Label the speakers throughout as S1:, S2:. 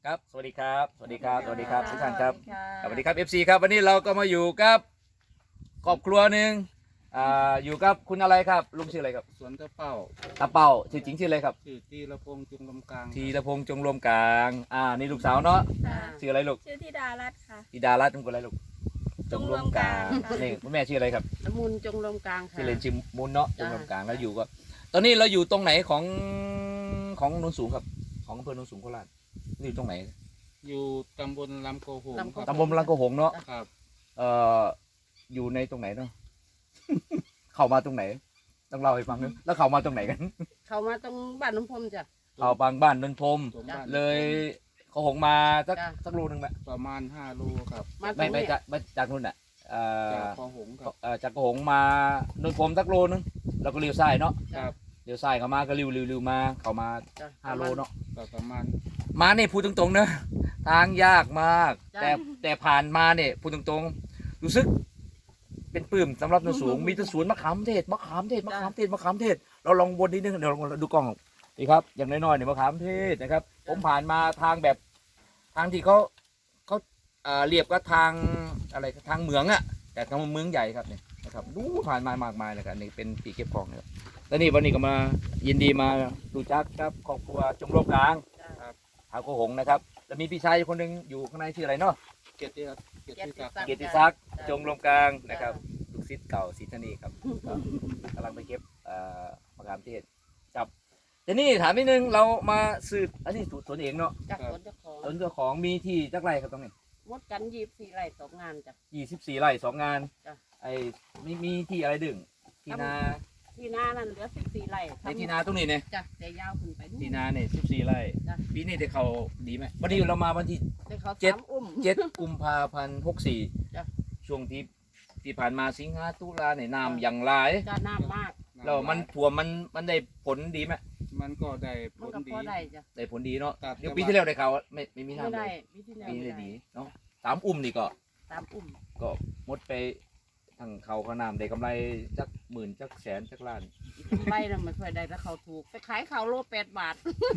S1: ครับสวัสดีครับสวัสดีครับสวัสดีครับทุกท่านครับ
S2: ะ
S1: สวัสดีครับ FC ครับวันนี้เราก็มาอยู่กับครอบครัวหนึ่งอยู่กับคุณอะไรครับลุงชื่ออะไรครับ
S3: สวนตะเป้า
S1: ตาเป่าชื่อจริงชื่ออะไรครับ
S3: ชื่อตีละพงษ์จุงลำกลาง
S1: ธีรพงษ์จงรวมกลางนี่ลูกสาวเนาะ
S2: ค่ะ
S1: ชื่ออะไรลูก
S2: ชื่อธิดารัตน์ค่ะ
S1: ธิดารัตน์เป็นคนอะไรลูก
S2: จงรวมกลาง
S1: นี่คุณแม่ชื่ออะไรครับ
S4: ละมุนจงลมกลางค่ะ
S1: ชื่อเล่นชื่อมุนเนาะจ
S4: จ้า
S1: งรวมกลางแล้วอยู่ก็ ตอนนี้เราอยู่ตรงไหนของโนนสูงครับ ของอำเภอโนนสูงโคราชนี่อยู่ตรงไหน
S3: อยู่ตำบลลำโกหงครับ
S1: ตำบลลังโกหงเนาะ
S3: ครับ
S1: อยู่ในตรงไหนเนาะ เข้ามาตรงไหน ต้องเล่าให้ฟังนึงแล้วเข้ามาตรงไหนกัน
S4: เขามาตรงบ้านน้ำพรมจ้ะ
S1: เข้าบางบ้านนนทม
S3: ตรงบ้าน
S1: เลยเขาหงมาสัก
S4: จ้ะ
S1: สักโลนึงไหม
S3: ประมาณ5 โลครับ
S4: มาตร
S1: ไม่
S4: ง
S1: ไม่
S4: นี้
S1: จากไม่จากนู่นอ่ะ
S3: จากคอหงครับ
S1: จากเขาหงมานนทมสักโลนึงแล้วก็เลี้ยวซ้ายเนาะ
S3: ครับ
S1: เลี้ยวซ้ายเข้ามาก็ริวมาเข้ามา
S4: จ้ะ
S1: 5 โลเนาะ
S3: ก็ประมาณ
S1: มาเนี่ยพูดตรงๆนะทางยากมาก
S4: จ้ะ
S1: แต่ผ่านมาเนี่ยพูดตรงๆรู้สึกเป็นปลื้มสำหรับนนสูง มีแต้นสวนมะขามเทศมะขามเทศมะขามเทศมะขามเทศเราลองวนนิดนึงเดี๋ยวลองดูกล้องดีครับอย่างน้อยๆเนี่ยมะขามเทศนะครับผมผ่านมาทางแบบทางที่เขาเรียบก็ทางอะไรทางเหมืองอะแต่ทางเมืองใหญ่ครับเนี่ยนะครับดูผ่านมามากมายเลยครับนี่เป็นปีเก็บของนะครับแล้วนี่วันนี้ก็มายินดีมาดูจักครับครอบครัวจงรวมกลาง
S4: จ้ะ
S1: หาโกหงนะครับแล้วมีพี่ชายคนหนึ่งอยู่ข้างในชื่ออะไรเนาะ
S3: เกียรติเกียรติศักดิ์
S1: เกียรติศักดิ์จงรวมกลางนะครับลูกศิษย์เก่าศิษย์ธนีครับก็กำลังไปเก็บมะขามเทศจับแต่นี่ถามนิดนึงเรามาสืบอันนี้สวนเองเนาะ
S4: จากสวนเจ้าของ
S1: สวนเจ้าของมีที่จักไรครับตรงนี้
S4: มดกัน24 ไร่2 งานจ้ะ
S1: 24 ไร่2 งาน
S4: จ้ะ
S1: ไอ้มีที่อะไรดึงที่นา
S4: ที่นานั่นเหลือ14 ไร่
S1: ในที่นาตรงนี้เนี่ย
S4: จ้ะแต่ยาวขึ้นไปนู่น
S1: ที่นาเนี่ย14 ไร่
S4: จ้ะ
S1: ปีนี้ได้เขาดีไหมวันนี้เรามาวันที่
S4: แต่เขา
S1: เจ็ด
S4: 3 อุ้ม
S1: 7 กุมภาพันธ์
S4: จ้ะ
S1: 64ช่วงที่ผ่านมาสิงหาตุลาเนี่ยน้ำอย่างไร
S4: จ้ะน้ำมาก
S1: แล้วมันถั่วมันได้ผลดีไหม
S3: มันก็ได้ผ
S4: มัน
S3: ล
S4: ก็
S3: ดี
S4: พอได้จ้ะ
S1: ได้ผลดีเนาะ
S3: ครับ
S1: เดี๋ยวปีที่แล้วได้ข่าวว่าไม่มี
S4: ไม่
S1: น้ำเล
S4: ได้
S1: ย
S4: ปีที่แล้ว
S1: ปีนี้
S4: ไม่
S1: ได้
S4: ได้
S1: ดีเนาะ3 นี่ก็
S4: 3 อุ้ม
S1: ก็หมดไปทั้งเขาเขาน้ำได้กำไรจักหมื่นจักแสนจักล้าน
S4: ไร่น่ะมันค่อยได้แล้วเขาถูกไปขายเขาโล8 บาท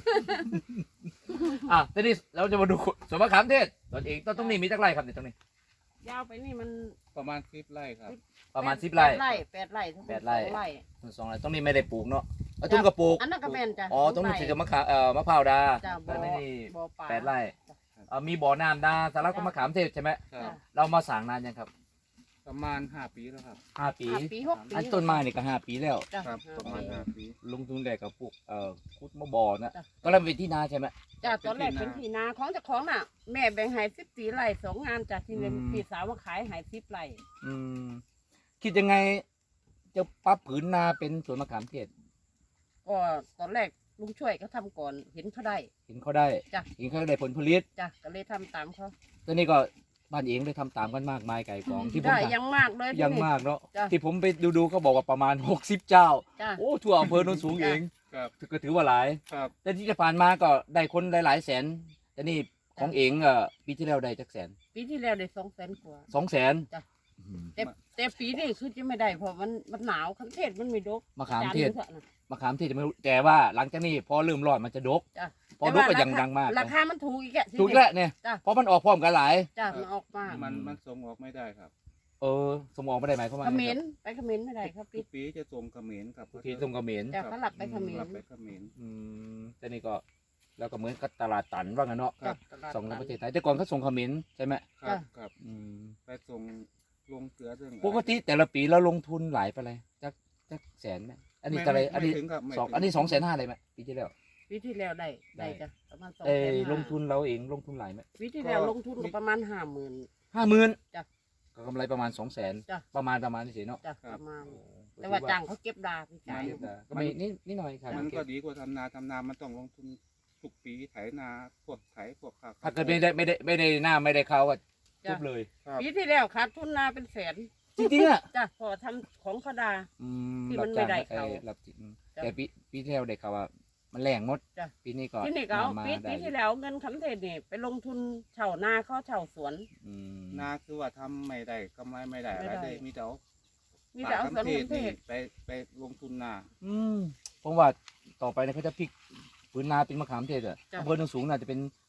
S1: ทีนี้เราจะมาดูสวนมะขามเทศตนเองต้นนี้มีจักไรครับเนี่ยตรงนี้
S4: ยาวไปนี่มัน
S3: ประมาณ10 ไร่ครับ
S1: ประมาณ10 ไร่
S4: 8 ไร่ทั้งหมด
S1: 8 ไร่
S4: 2 ไร่
S1: 2 ไร่ตรงนี้ไม่ได้ปลูกเนาะตุ้มก็ปลูก
S4: อันนั้นก็แม่นจ้ะ
S1: อ๋อตรงนี้จะมะขามมะพร้าวดา
S4: จ้ะบ่
S1: แต่ไม่ได้
S4: บ่อปลา
S1: 8 ไร่มีบ่อน้ำดาสาระก็มะขามเทศใช่ไหม
S3: ครับ
S1: เรามาสั่งนานยังครับ
S3: ประมาณ5 ปีแล้วครับ
S1: 5 ปี
S4: 5 ปี 6 ปี
S1: อันต้นไม้นี่ก็5 ปีแล้ว
S4: จ้ะ
S3: ครับ ประมาณ5 ปี
S1: ลงทุนแรกกับพวกคุดมะบ่อนะ
S4: จ้ะ
S1: ก็เริ่มเป็นที่นาใช่ไหม
S4: จ้ะตอนแรกเป็นที่นาของเจ้าของน่ะ แม่แบ่งให้14 ไร่2 งานจ้ะที่เป็น
S1: อืม
S4: พี่สาวมาขายให้10 ไร่
S1: อืมคิดยังไงจะปรับผืนนาเป็นสวนมะขามเทศ
S4: ก็ตอนแรกลุงช่วยเขาทำก่อนเห็นเขาได้
S1: เห็นเขาได้
S4: จ้ะ
S1: เห็นเขาได้ผลผลิต
S4: จ้ะก็เลยทำตามเขา
S1: ตอนนี้ก็บ้านเองได้ทำตามกันมากมายไก่กองที่ผม
S4: ได้
S1: ทำ
S4: ยังมากเลย
S1: ยัง
S4: ที่นี่
S1: มากเนาะ
S4: จ้ะ
S1: ที่ผมไปดูเขาบอกว่าประมาณ60 เจ้า
S4: จ้ะ
S1: โอ้ทั่วอำเภอโนนสูงเอง
S3: ครับ
S1: ก็ถือว่าหลาย
S3: ครับ
S1: แต่ที่จะผ่านมาก็ได้คนหลายๆแสนแต่นี่ของเองปีที่แล้วได้จักแสน
S4: ปีที่แล้วได้200,000 กว่า
S1: 200,000
S4: จ้ะ แต่ปีนี้คือจะไม่ได้เพราะมันหนาวคันเทศมันไม่ดก
S1: มะขามเทศ
S4: จนอยู่ถอะนะ
S1: มะขามเทศจะไม่รู้แต่ว่าหลังจากนี้พอเริ่มร้อนมันจะดก
S4: จ้ะ
S1: พอดกก็ยังดังมาก
S4: ราคามันถูกอีกอะ
S1: ถูกแล้วเนี่ย
S4: จ้ะ
S1: เพราะมันออกพร้อมกันหลาย
S4: จ้ะมันออกมา
S3: มันส่งออกไม่ได้ครับ
S1: สมองไม่ได้หมายความว่า
S4: เข
S1: ไง
S4: ม
S1: ค
S4: ร
S1: รับ
S4: ไปเขมรไม่ได้ครับ
S3: ทุกปีจะส่งเขมรครับ
S1: ทุกทีส่งเขมร
S4: จ้ะเขาหลับไปเขมร
S3: รับไปเขมร
S1: แต่นี่ก็แล้วก็เหมือนกับตลาดตันว่างั้นเนาะ
S3: ครับ
S1: ส่งในประเทศไทยแต่ก่อนเขาส่งเขมรใช่ไหม
S3: ครับครับ
S1: อืม
S3: ไปส่งลงเกลือเรื่อง
S1: ปกติแต่ละปีเราลงทุนหลายไปเลยจักแสนไหมอันนี้อะไรอันนี้
S3: ไม่ถึงครับไม่
S1: สอง
S3: ถึ
S1: อันนี้250,000เลยไหมปีที่แล้ว
S4: ปีที่แล้วได้
S1: ได้
S4: จ้ะประมาณ
S1: เอ้ย
S4: 250,000
S1: ลงทุนเราเองลงทุนหลายไหม
S4: ปีที่แล้วลงทุนก็ประมาณ50,000
S1: 50,000
S4: จ้ะ
S1: ก็กำไรประมาณ200,000
S4: จ้ะ
S1: ประมาณนี้สิเนาะ
S4: จ้ะประมาณแต่ว่าจ้างเขาเก็บดาพี่จ่าย
S1: ก็ไม่นี่หน่อยครับ
S3: มันก็ดีกว่าทำนามันต้องลงทุนทุกปีไถนาพวกไถพวกข้าว
S1: ถ้าเกิดไม่ได้หน้าไม่ได้เขาก็จบเลย
S3: ครับ
S4: ปีที่แล้วขาดทุนนาเป็นแสน
S1: จริงๆอ่ะ
S4: จ้ะพอทำของเขาดา ที่มัน
S1: รับจ้าง
S4: ไม่ได้เขา
S1: รับจริง
S4: จ้ะ
S1: แต่ปีที่แล้วได้เขาว่ามันแรงหมด
S4: จ้ะ
S1: ปีนี้ก็
S4: ที่นี่ก็เอา
S1: มา
S4: ปี
S1: ได้
S4: ที่แล้วเงินคำเทศนี่ไปลงทุนเช่านาเขาเช่าสวน
S1: อืม
S3: นาคือว่าทำไม่ได้กำไรไม่ได้อะไร
S4: ไม่ได้
S3: ได้มีแต่เอา
S4: มีแต่เอาสวน
S3: เทศ
S4: คำเท
S3: นี่
S4: ศ
S3: ไปลงทุนนา
S1: ผมว่าต่อไปเนี่ยเขาจะพลิกพื้นนาเป็นมะขามเทศอ่ะ
S4: จ้ะ
S1: อำเภอโนนสูงน่าจะเป็น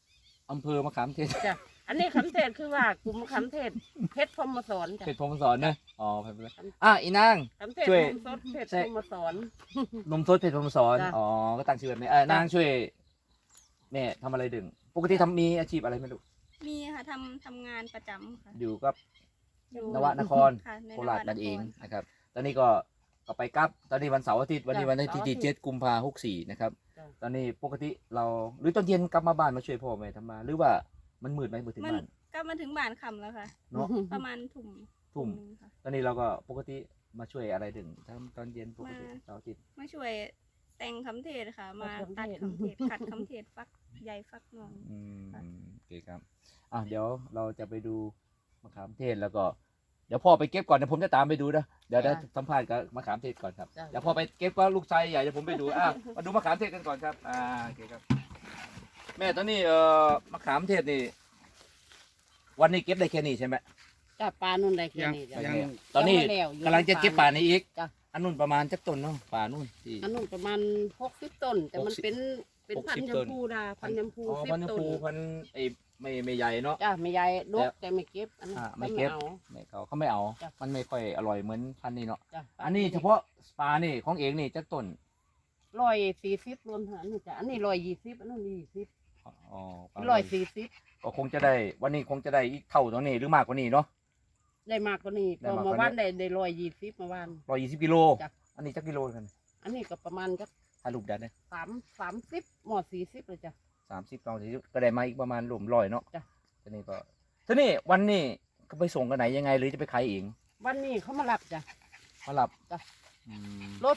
S1: อำเภอมะขามเทศ
S4: จ้ะอันนี้คำเทศคือว่ากลุ่มคำเทศเพชรพรหมสอนจ้ะ
S1: เพชรพรหมสอนนะอ๋อเพชรพรหมสอนอีนาง
S4: คำเทศ
S1: ช่วย
S4: นมสดเพชรพรหมสอน
S1: นมสดเพชรพรหมสอน
S4: จ้ะ
S1: อ๋อก็ตั้งชื่อแบบนี้นางช่วยแม่ทำอะไรดึงปกติมีอาชีพอะไรไม่รู้
S2: มีค่ะทำงานประจำค่ะ
S1: อยู่กับ
S2: อยู่
S1: นวนคร
S2: ค่ะใน
S1: โคราช
S2: ว
S1: นั่นเอง
S2: คร
S1: นะครับ ตอนนี้ก็ไปกลับ ตอนนี้วันเสาร์อาทิตย์ วันนี้
S4: จ้ะ
S1: วันที่
S4: เสาร์อาทิ
S1: ที่
S4: ตย์
S1: 7 กุมภาพันธ์64นะครับ
S4: จ้ะ
S1: ตอนนี้ปกติเราหรือตอนเย็นกลับมาบ้านมาช่วยพ่อแม่ทำมา หรือว่ามันมืดไหมมืดถึง
S2: มัน
S1: บ้าน
S2: ก็มาถึงบ้านค่ำแล้วค่ะ
S1: เนาะ
S2: ประมาณทุ่ม
S1: ทุ่ม
S2: หนึ่งค่ะ
S1: ตอนนี้เราก็ปกติมาช่วยอะไรดึงทำตอนเย็นปกติ
S2: มา
S1: เสาร์อาทิตย์
S2: มาช่วยแต่งคำเทศค่ะ มา
S4: ตั
S2: ตั
S4: ด
S2: ด
S4: คำ
S2: คำ
S4: เท
S2: เท
S4: ศ
S2: ศขัดคำเทศฟักใยฟักนอง
S1: อืม
S2: ค่ะ
S1: โอเคครับเดี๋ยวเราจะไปดูมะขามเทศแล้วก็ เดี๋ยวพ่อไปเก็บก่อนเดี๋ยวผมจะตามไปดูนะเดี๋ยวได้
S4: จ้ะ
S1: สัมภาษณ์กับมะขามเทศก่อนครับ
S4: จ้ะ
S1: เดี๋ยวพ่อไปเก็บก็ลูกชายใหญ่เดี๋ยวผมไปดูมาดูมะขามเทศกันก่อนครับโอเคครับ แม่ตอนนี้มะขามเทศนี่ วันนี้เก็บได้แค่นี้ใช่ไหม
S4: จ้ะปลานุ่นได้แค่
S3: ยัง
S4: นี้จ้ะ
S3: ยัง
S1: ตอนนี้
S4: ยังไม่แล้วอยู่
S1: กำลังจะเก็บป่านี้อีก
S4: จ้ะ
S1: อันนู้นประมาณจักต้นเนาะป่านู่นที่
S4: อันนู้นประมาณ60 ต้น แต่มัน
S1: 60
S4: เป็นพัน
S1: 60
S4: ยำพูดาพันยำพู
S1: อ๋อ
S4: 10
S1: พันธุ์
S4: ต้น
S1: ปูพันธุ์ไอ้ไม่ใหญ่เนาะ
S4: จ้ะไม่ใหญ่ดกแต่ไม่เก็บอันนั้น
S1: ไม่เก็บ
S4: อา
S1: ไม่เขาไม่เอา
S4: จ้ะ
S1: มันไม่ค่อยอร่อยเหมือนพันธุ์นี้เนาะ
S4: จ้ะ
S1: อันนี้เฉพาะปลานี่ของเองนี่จักต้น
S4: 140รวมทั้งอันนี้จ้ะอันนี้120อันนั้น20
S1: อ๋อปลา
S4: 140
S1: ก็คงจะได้วันนี้คงจะได้อีกเท่าตัวนี้หรือมากกว่านี้เนาะ
S4: ได้มากกว่านี้
S1: ได้
S4: พอ
S1: มากกว่า
S4: มา
S1: นี้
S4: วันได้120มาวัน
S1: 120 กิโล
S4: จ้ะ
S1: อันนี้จักกิโลกัน
S4: อันนี้ก็ประมาณจัก
S1: ถ้าลูกดันเนี่ย
S4: 30หมอ40เลยจ้ะ
S1: 30 40ก็ได้มาอีกประมาณรวม100เนาะ
S4: จ้ะ
S1: ทีนี้ก็ทีนี้วันนี้ก็ไปส่งกันไหนยังไงหรือจะไปขายเอง
S4: วันนี้เขามารับจ้ะ
S1: มารับ
S4: จ้ะ
S1: อืม
S4: โล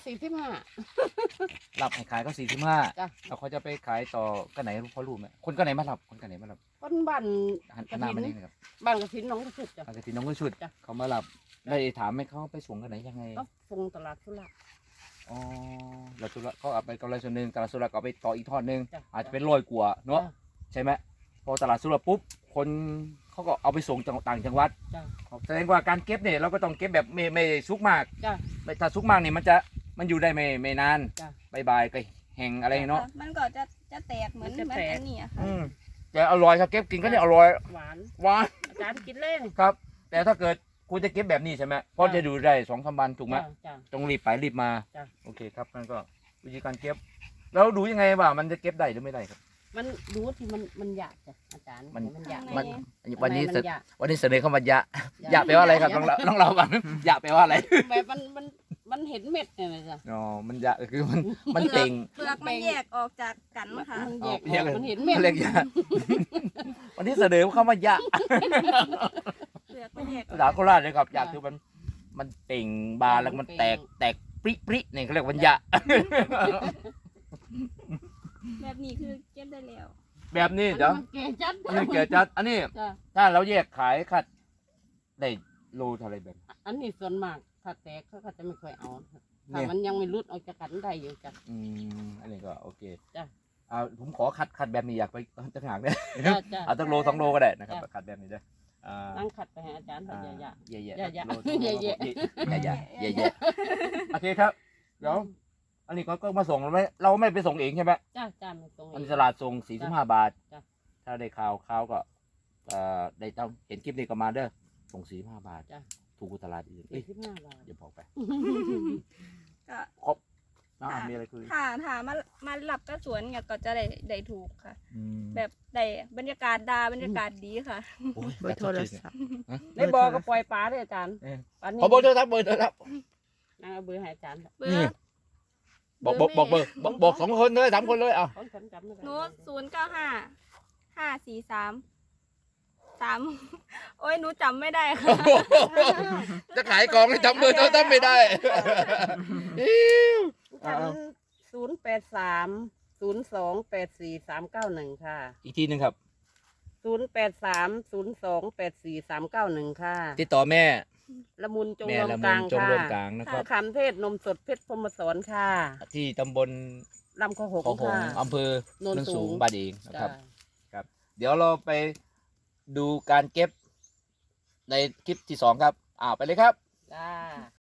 S4: 45
S1: รับให้ขายก็45
S4: จ้ะ
S1: แล้วเขาจะไปขายต่อกันไหนพอรู้ไหมคนกันไหนมารับคนกันไหนมารับ
S4: คนบ้าน
S1: หันหน้ามานี่นะครับ
S4: บ้านกระถินหน้องกระสุดจ้ะ
S1: ทางกระถิ่นน้องก็ชุด
S4: จ้ะ
S1: เขามารับได้ถามไหมเขาไปส่งกันไหนยังไง
S4: ก็ส่งตลาดสุราษฎร์
S1: อ๋อเราสุระเขาเอาไปกำไรส่วนหนึ่งตลาดสุระก็เอาไปต่ออีกทอดหนึ่ง
S4: จ้ะ
S1: อาจจะเป็นร้อยกว่าเนาะ
S4: จ้ะ
S1: ใช่ไหมพอตลาดสุระปุ๊บคนเขาก็เอาไปส่งต่างจังหวัด
S4: จ้ะ
S1: แสดงว่าการเก็บเนี่ยเราก็ต้องเก็บแบบไม่ซุกมาก
S4: จ้ะ
S1: ไม่ถ้าซุกมากเนี่ยมันอยู่ได้ไม่นาน
S4: จ้ะ
S1: บายๆก็แห้งอะไรเนาะ
S2: มันก็จะแตกเหมือน
S4: มันจะ
S2: เหมือน
S4: แตก
S2: อันนี้อะค่ะ
S1: แต่อร่อยครับเก็บกินก็เนี่ยอร่อย
S4: หวาน
S1: หวาน
S4: อาจารย์กินเล่น
S1: ครับ แต่ถ้าเกิดคุณจะเก็บแบบนี้ใช่ไหมเพราะจะดูได้2-3 วันถูกไหม
S4: จ้ะ
S1: ต้องรีบไปรีบมา
S4: จ้ะ
S1: โอเคครับนั่นก็วิธีการเก็บแล้วดูยังไงว่ามันจะเก็บได้หรือไม่ได้ครับ
S4: มันดูที่มันหยาบจ้ะอาจารย์
S1: มัน
S4: มันหยาบ
S1: มัน
S4: ข้างใ
S1: วันนี้
S4: มั
S1: เสน
S4: หยาบ
S1: วันนี้เสนอเข้ามายะยะแปลว่าอะไรครับต้องเราก่อนยะแปลว่าอะไร
S4: แบบมันเห็นเม็ดเนี่ยนะจ้ะ
S1: อ๋อมันยะก็คือมันเต่ง
S2: เปลือกมันแยกออกจากกันค่ะ
S4: มันแยก
S1: แยกเลย
S4: มันเห็นเม็ด
S1: เรียกยะวันนี้เสนอเข้ามายะ
S2: เปลือกมันแยกอ
S1: ภา
S2: อก
S1: ษาโคราชเลยครับยะคือมันเต่งบานแล้วมันแตกปริปริเนี่ยเขาเรียกวันยะ
S2: แบบนี้คือเก็บได้แล้ว
S1: แบบนี้เดี๋ยว
S4: มันแก่จัด
S1: อันนี้เกิดจัดอันนี้
S4: จ้ะ
S1: ถ้าเราแยกขายคัดได้โลเท่าไรแบบ
S4: อันนี้ส่วนมากถ้าแตกเขาก็จะไม่ค่อยเอา
S1: เนี่
S4: ถ้าย มันยังไม่รุดออกจากกันได้อยู่จ้ะ
S1: อันนี้ก็โอเค
S4: จ้ะ
S1: ผมขอคัดแบบนี้อยากไปต่างหากเนี่ย
S4: จ้ะจ้ะ
S1: เอาตั้งโล2 โลก็ได้นะครับ
S4: จ้ะ
S1: คัดแบบนี้ด้วย
S4: นั่งขัดไปให้อาจารย์เขาเยอะ
S1: เย่
S4: อย่า
S1: ๆ
S4: ๆ
S1: โล2 โล
S4: อย่า
S1: เย่ๆเย่ๆโอเคครับเดี๋ยวอันนี้ก็มาส่งเราไม่ไปส่งเองใช่ไหม
S4: ๆจ้าจ้าไม่ตรง
S1: อันนี้ตลาดส่ง45 บาท
S4: จ้ะ
S1: ถ้าได้ข่าวก็ได้ต้องเห็นคลิปนี้ก็มาเด้อส่ง45 บาท
S4: จ้ะ
S1: ถูกกว่าตลาดอื่นเอ้ย
S4: 45 บาท
S1: อย่าบอกไป
S2: ก็
S1: ครบมีอะไรคุย
S2: ถ้ามาหลับก็สวนเนี่ยก็จะได้ถูกค่ะ
S1: อืม
S2: แบบได้บรรยากาศบรรยากาศดีค่ะ
S1: โอ้ย
S5: เบอร์โทรศัพท์
S4: ได้บอกก็ปล่อยปลาด้วยอาจารย์
S1: เออ
S4: ปลานี้
S1: ขอเบอร์โทรศัพท์เบอร์โทรศัพท์
S4: นางเอาเบอร์ให้อาจารย์
S2: เบอ
S1: นี่
S2: ร์
S1: บอกเบอร์บอก2 คนเลย3 คนเลยเอา
S4: ของฉันจำไม่ได้
S2: โน้ต095 543 โอ้ยหนูจำไม่ได้ค่ะ
S1: จะขายของให้จำเบอร์โทรศัพท์ไม่ได้
S4: ฉัน083 0284 391 ค่ะ
S1: อีกทีหนึงครับ
S4: 083 0284 391 ค่ะ
S1: ติดต่อแม่
S4: ละมุนจง
S1: แม่
S4: รว
S1: ละ
S4: ม
S1: มุ
S4: กลาน ง
S1: จง
S4: ค่ะ
S1: รวมกลางนะครับ
S4: คำเทศนมสดเพชรพรหมสอนค่ะ
S1: ที่ตำบล
S4: ลำข้าวหง
S1: เขาหง
S4: ค่ะ
S1: อำเภอ
S4: โนน
S1: โนน
S4: สู
S1: สู
S4: ง
S1: งบ้านเองนะครับ
S4: จ้า
S1: เดี๋ยวเราไปดูการเก็บในคลิปที่ 2 ครับไปเลยครับ
S4: จ้า